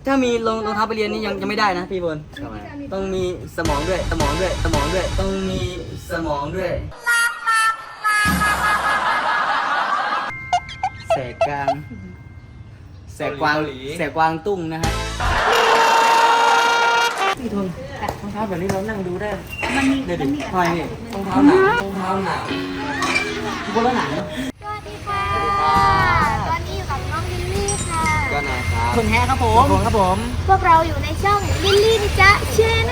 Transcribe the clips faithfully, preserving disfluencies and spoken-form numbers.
ถ้ามีรองรองเท้าไปเรียนนี่ยังยังไม่ได้นะพี่บนต้องมีสมองด้วยสมองด้วยสมองด้วยต้องมีสมองด้วยแสกกลางแสกกวางแสกกวางตุ้งนะฮะพี่ทุนรองเท้าแบบนี้เรานั่งดูได้มันมีเดี๋ยวดิทำไมนี่รองเท้าหนังรองเท้าหนังบนแล้วหนังสวัสดีค่ะตอนนี้อยู่กับน้องลิลลี่ค่ะก็นะครับคุณแฮครับผมครับผมพวกเราอยู่ในช่องลิลลี่นิจ๊ะเชน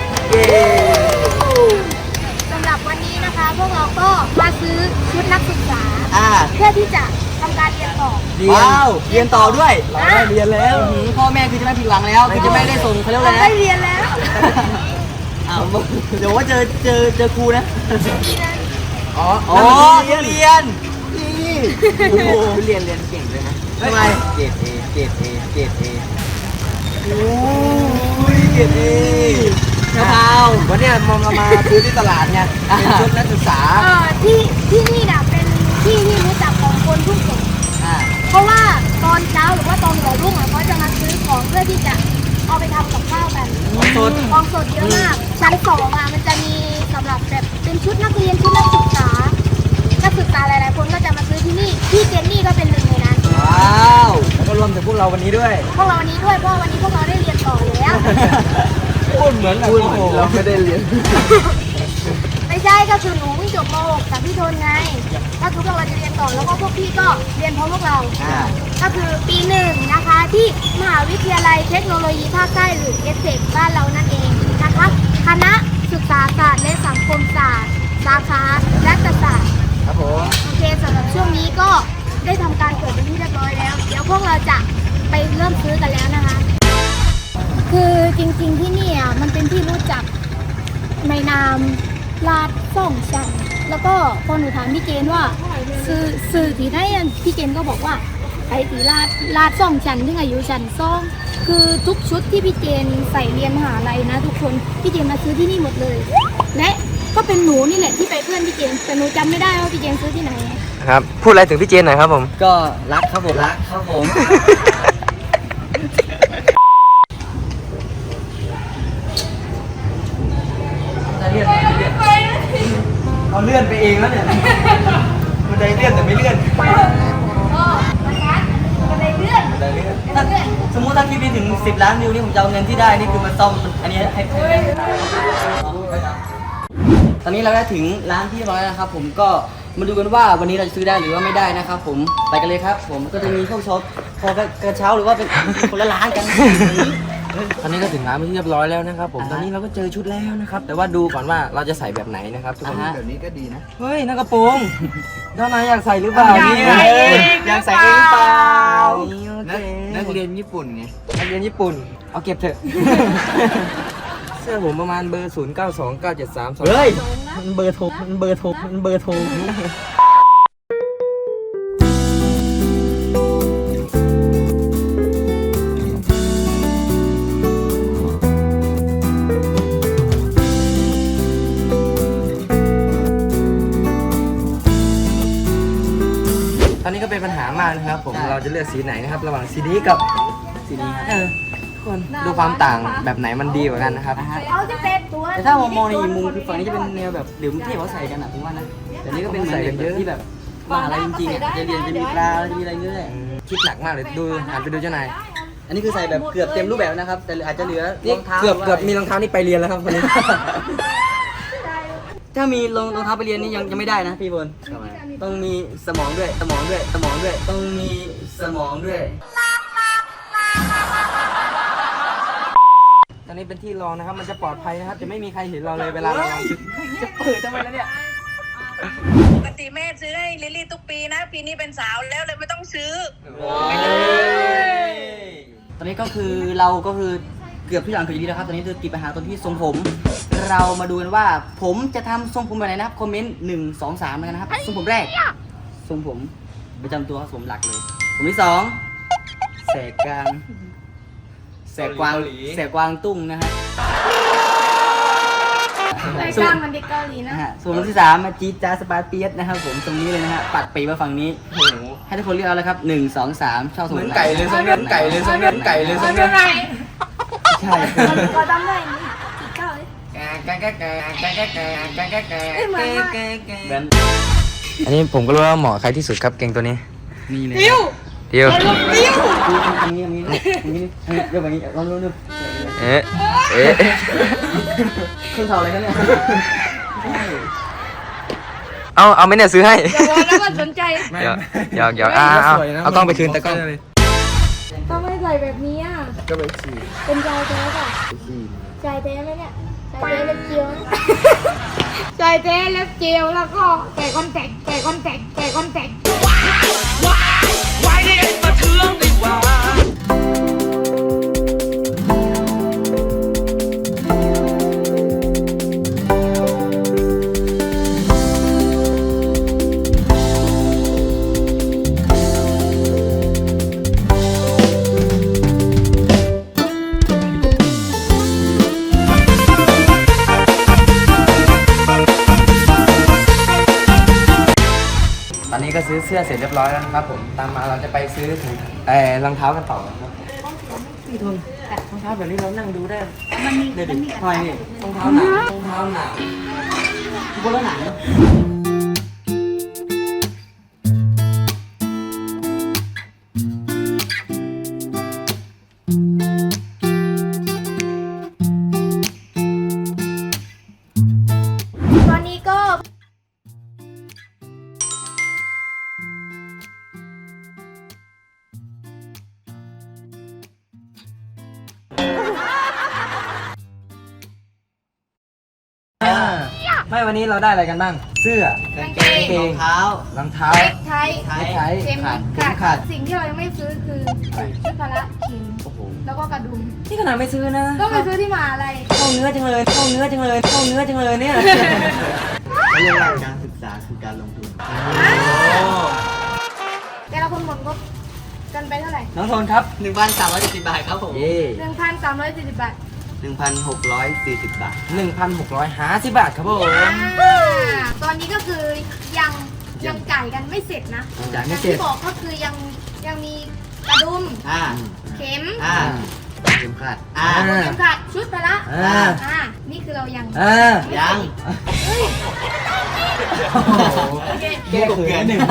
สำหรับวันนี้นะคะ พวกเราก็มาซื้อชุดนักศึกษาอ่าเพื่อที่จะทำการเรียนต่อว้าวเรียนต่อด้วยเราได้เรียนแล้วพ่อแม่คือจะไม่ผิดหวังแล้วคือจะไม่ได้ส่งเขาเรียกว่าอะไรได้เรียนแล้วอ้าวเดี๋ยวว่าเจอเจอเจอครูนะอ๋ออ๋อเรียนเรียนนี่โอ้โหเรียนเรียนเก่งเลยนะทำไมเกรดเอเกรดเอเกรดเอโอ้ยเกรดเอกระเพราวันนี้มองมามาซื้อที่ตลาดไงเป็นชุดนักศึกษาเออที่ที่นี่น่ะเป็นที่ที่รู้จักของคนทุกคนอ่าเพราะว่าตอนเช้าหรือว่าตอนหัวรุ่งอ่ะเขาจะมาซื้อของเพื่อที่จะเอาไปทำกับข้าวกันของสดของสดเยอะมากชั้นสองอ่ะมันจะมีสำหรับแบบเป็นชุดนักเรียนชุดนักศึกษานักศึกษาหลายๆคนก็จะมาซื้อที่นี่พี่เจนนี่ก็เป็นหนึ่งในนั้นว้าวแล้วก็รวมถึงพวกเราวันนี้ด้วยพวกเราวันนี้ด้วยเพราะวันนี้พวกเราได้เรียนต่อแล้วพูดเหมือนพูดเหมือนเราไม่ได้เรียนไม่ใช่ก็คือหนูเพิ่งจบม .หก จากพี่ทนไงก็คือพวกเราจะเรียนต่อแล้วก็พวกพี่ก็เรียนพร้อมพวกเราอ่าก็คือปีหนึ่งนะคะที่มหาวิทยาลัยเทคโนโลยีภาคใต้หรือเอสเซกบ้านเรานั่นเองนะคะคณะศึกษาศาสตร์และสังคมศาสตร์สาขารัฐศาสตร์ครับผมโอเคสำหรับช่วงนี้ก็ได้ทำการเกิดเป็นที่เรียบร้อยแล้วเดี๋ยวพวกเราจะไปเริ่มซื้อกันแล้วนะคะ คือจริงๆที่นี่อ่ะมันเป็นที่รู้จักในนามลาดส่องชันแล้วก็พอหนูถามพี่เจนว่าสื่อสื่อที่ได้พี่เจนก็บอกว่าไอ้ตีลาดลาดส่องชันที่อายุชันซ่องคือทุกชุดที่พี่เจนใส่เรียนมหาลัยนะทุกคนพี่เจนมาซื้อที่นี่หมดเลย และก็เป็นหนูนี่แหละที่ไปเพื่อนพี่เจนแต่หนูจำไม่ได้ว่าพี่เจนซื้อที่ไหนครับพูดอะไรถึงพี่เจนหน่อยครับผมก็รักครับผมรักครับผมจะเลื่อนไม่เลื่อนเอาเลื่อนไปเองแล้วเนี่ยมันได้เลื่อนแต่ไม่เลื่อนก็นะคะก็เลยเลื่อนได้เลื่อนถ้าสมมุติถ้าคลิปนี้ถึงสิบล้านวิวนี่ผมจะเอาเงินที่ได้นี่คือมาซ่อมอันนี้ให้ตอนนี้เราได้ถึงร้านที่เรียบร้อยแล้วนะครับผมก็มาดูกันว่าวันนี้เราจะซื้อได้หรือว่าไม่ได้นะครับผมไปกันเลยครับผมก็จะมีพวกช็อปพอกระเช้าหรือว่าเป็นคนละร้านกันตอนนี้ก็ถึงร้านเป็นที่เรียบร้อยแล้วนะครับผมอ่าฮะตอนนี้เราก็เจอชุดแล้วนะครับแต่ว่าดูก่อนว่าเราจะใส่แบบไหนนะครับทุกคนอ่าฮะแบบนี้ก็ดีนะเฮ้ยนั่นกระโปรงด้านในอยากใส่หรือเปล่าอยากเนี่ยใส่เองอยากใส่เองเปล่านักนักเรียนญี่ปุ่นไงนักเรียนญี่ปุ่นเอาเก็บเถอะเสื้อผมประมาณเบอร์ศูนย์เก้าสองเก้าเจ็ดสามสองเฮ้ยมันเบอร์โทรมันเบอร์โทรมันเบอร์โทรตอนนี้ก็เป็นปัญหามากนะครับผมเราจะเลือกสีไหนนะครับระหว่างสีนี้กับสีนี้ครับเออทุกคนดูความต่างแบบไหนมันดีกว่ากันนะครับนะฮะเอาจะเป็นตัวแต่ถ้ามองมองในอีกมุมคือฝั่งนี้จะเป็นแนวแบบเดี๋ยวที่เขาใส่กันอ่ะผมว่านะแต่นี่ก็เป็นเหมือนเด็กแบบที่แบบมหาลัยจริงๆอ่ะจะเรียนจะมีปลาจะมีอะไรเงี้ยคิดหนักมากเลยดูหันไปดูเจ้านายอันนี้คือใส่แบบเกือบเต็มรูปแบบนะครับ แต่อาจจะเหลือรนี่องเท้าเกือบเกือบมีรองเท้านี่ไปเรียนแล้วครับคนนี้ถ้ามีรองรองเท้าไปเรียนนี่ยังยังไม่ได้นะพี่บนต้องมีสมองด้วยสมองด้วยสมองด้วยต้องมีสมองด้วยตอนนี้เป็นที่รองนะครับมันจะปลอดภัยนะครับจะไม่มีใครเห็นเราเลยเวลาเราลองชุดจะเปิดทำไมแล้วเนี่ยปกติแม่ซื้อให้ลิลลี่ทุกปีนะ ปีนี้เป็นสาวแล้วเลยไม่ต้องซื้อตอนนี้ก็คือเราก็คือเกือบทุกอย่างคืออย่างนี้แล้วครับตอนนี้คือติดปัญหาตรงที่ทรงผม เรามาดูกันว่าผมจะทำทรงผมแบบไหนนะครับคอมเมนต์หนึ่งสองสามกันนะครับทรงผมแรกทรงผมประจำตัวครับผมหลักเลยผมที่สองแสกกลางแสกกวางแสกกวางตุ้งนะฮะรายการมันเด็กเกาหลีนะนะฮะส่วนที่สามมาจีดจาสปาเปียสนะครับผมตรงนี้เลยนะฮะปัดปีมาฝั่งนี้ให้ทุกคนเลือกเอาเลยครับหนึ่งสองสามชอบทรงเหมือนไหนไก่เลยทรงเนื้อไก่เลยทรงเนื้อไก่เลยทรงเนื้อช่ขอจำได้นี่กี่เก้าเลย เอ้ยเหมือนมากแบนอันนี้ผมก็รู้ว่าเหมาะใครที่สุดครับเก่งตัวนี้นี่เลยติ้วเดียวติ้วทำงี้ทำงี้ทำงี้เฮ้ยเดี๋ยวแบบนี้ลองดูดูเอ๊ะเอ๊ะขึ้นเท่าอะไรกันเนี่ยเอาเอาไหม่เนี่ยซื้อให้อย่าบอกนะว่าสนใจเดี๋ยวเดี๋ยวเดี๋ยวอ่าเอาเอากล้องไปคืนตะกล้องทำไมใส่แบบนี้อ่ะก็ไปฉี่เป็นชายแท้ป่ะชายแท้ไหมเนี่ยชายแท้เล็บเจียวนะชายแท้เล็บเจียวแล้วก็ใส่คอนแทคใส่คอนแทคใส่คอนแทคตอนนี้ก็ซื้อเสื้อเสร็จเรียบร้อยแล้วนะครับผมตามมาเราจะไปซื้อถุงเอ่อรองเท้ากันต่อครับพี่ทุนรองเท้าแบบนี้เรานั่งดูได้มันมีเดี๋ยวมัดินมีทำไมนี่รองเท้าหนังรองเท้าหนังบนแล้วหนังตอนนี้ก็ไม่วันนี้เราได้อะไรกันบ้าง เสื้อกางเกงกรองเท้ารองเท้าเล็กไทยไทยไทยเข็มขาดขาดขาดสิ่งที่เรายังไม่ซื้อคือชุดพละเข็มโอ้โหแล้วก็กระดุมนี่ขนาดไม่ซื้อนะก็ไปซื้อที่มหาอะไรเข้าเนื้อจังเลยเข้าเนื้อจังเลยเข้าเนื้อจังเลยเนี่ยเขาเรียกว่าการศึกษาคือการลงทุนแต่ละคนหมดงบกันไปเท่าไหร่น้องโทนครับหนึ่งพันสามร้อยสิบบาทครับผมเย่หนึ่งพันสามร้อยสี่สิบบาทหนึ่งพันหกร้อยสี่สิบบาทหนึ่งพันหกร้อยห้าสิบบาทครับผมอ่าตอนนี้ก็คือยังยังจ่ายกันไม่เสร็จนะจ่ายอไม่ย่างเสร็จที่บอกก็คือยังยังมีกระดุมอ่าเข็มอ่าเข็มขัดอ่าเข็มขัดชุดพละอ่าอ่านี่คือเรายังอ่ายังเฮ้ยโอเคแก้เขินหนึ่ง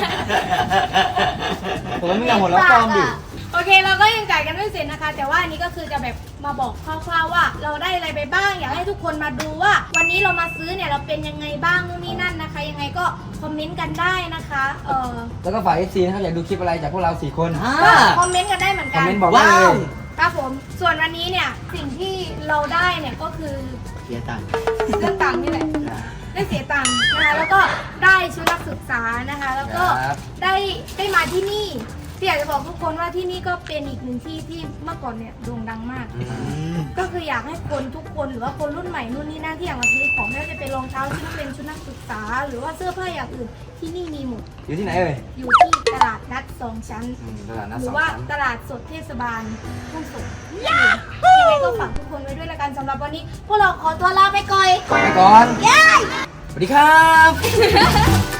ผมไม่อยากหมดแล้วฟอร์มดิโอเคเราก็ยังจ่ายกันไม่เสร็จนะคะ แต่ว่าอันนี้ก็คือจะแบบมาบอกคร่าวๆว่า เราได้อะไรไปบ้างอยากให้ทุกคนมาดูว่า วันนี้เรามาซื้อเนี่ยเราเป็นยังไงบ้างนู่นนี่นั่นนะคะ ยังไงก็คอมเมนต์กันได้นะคะเออแล้วก็ฝาก เอฟ ซี นะครับอยากดูคลิปอะไรจากพวกเราสี่คนอ่าก็คอมเมนต์กันได้เหมือนคอกัมนเมนต์บอกได้เลว้าวยครับผมส่วนวันนี้เนี่ยสิ่งที่เราได้เนี่ยก็คือเสียตังค์เรื่องตังค์นี่แหละได้เสียตังค์นะคะแล้วก็ได้ชุดนักศึกษานะคะ แล้วก็ครับได้ได้มาที่นี่ที่อยากจะบอกทุกคนว่าที่นี่ก็เป็นอีกหนึ่งที่ที่เมื่อก่อนเนี่ยโด่งดังมาก ก็คืออยากให้คนทุกคนหรือว่าคนรุ่นใหม่นู่นนี่นั่นที่อยากมาซื้อของไม่ว่าจะเป็นรองเท้าชุดนักเรียนชุดนักศึกษา หรือว่าเสื้อผ้าอย่างอื่นที่นี่มีหมดอยู่ที่ไหนเอ่ยอยู่ที่ตลาดนัดสองชั้นอืมตลาดนัดหสรือ องชั้นว่าตลาดสดเทศบาลทุ่งสงยังไงก็ฝากทุกคนไว้ด้วยละกันสำหรับวันนี้ พวกเราขอตัวลาไปก่อนไปก่อนย้ายสวัสดีครับ